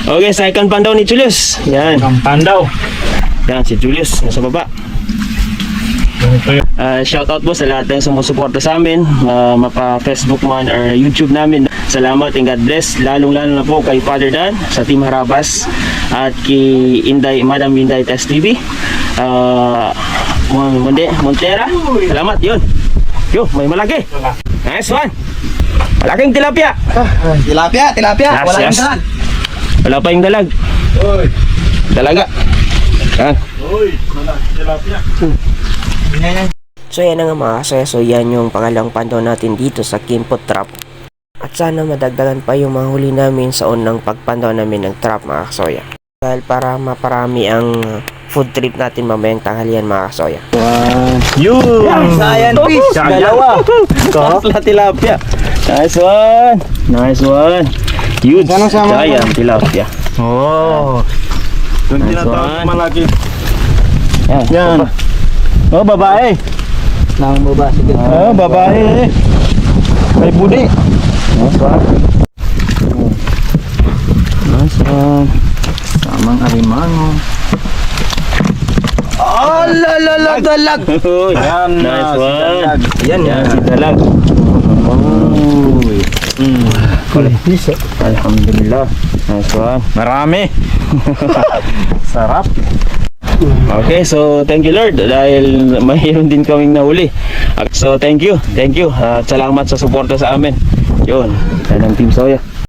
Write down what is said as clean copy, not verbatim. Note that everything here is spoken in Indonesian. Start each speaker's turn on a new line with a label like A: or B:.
A: Okay, second pandaw ni Julius. Yan.
B: Ang pandaw.
A: Yan, si Julius. Nasa baba. Shout out po sa lahat ng sumusuporta sa amin, mapa Facebook man or YouTube namin. Salamat and God bless. Lalong-lalo na po kay Father Dan sa Team Harabas at kay Inday, Madam Inday Test TV. Montera. Salamat yun. Yo, may malaki. Nice one. Malaking tilapia.
C: Tilapia.
A: Yes,
C: Wala
A: yes.
C: yung dalag.
A: Wala pa yung dalag. Dalaga. Yan.
B: Tilapia.
D: So yan na nga mga kasaya, so yan yung pangalawang pandaw natin dito sa Kimpot Trap. At sana madagdagan pa yung mga huli namin sa unang pagpandaw namin ng trap mga kasoya. Dahil para maparami ang food trip natin mamayang tanghalian mga kasoya.
A: Yun.
C: Giant fish. Dalawa.
A: Kapla tilapia. Nice one. Nice one. Huge. Giant tilapia.
B: Oh. Yung
A: Nice
B: tinatawag
A: one.
B: malaki.
A: Yan. Oh, babae.
C: Nang baba. Sige.
A: Oh, babae. May budi. Nice one. Nice one.
B: Tamang alimango.
C: Dalag.
A: Yan. Nice one.
C: Yan.
A: Yan si dalag. Alhamdulillah. Nice one.
B: Marami.
A: Sarap. Okay, so thank you Lord dahil mayroon din kaming nahuli. So thank you. At salamat sa suporta sa amin. Yun, yan ang Team Soya.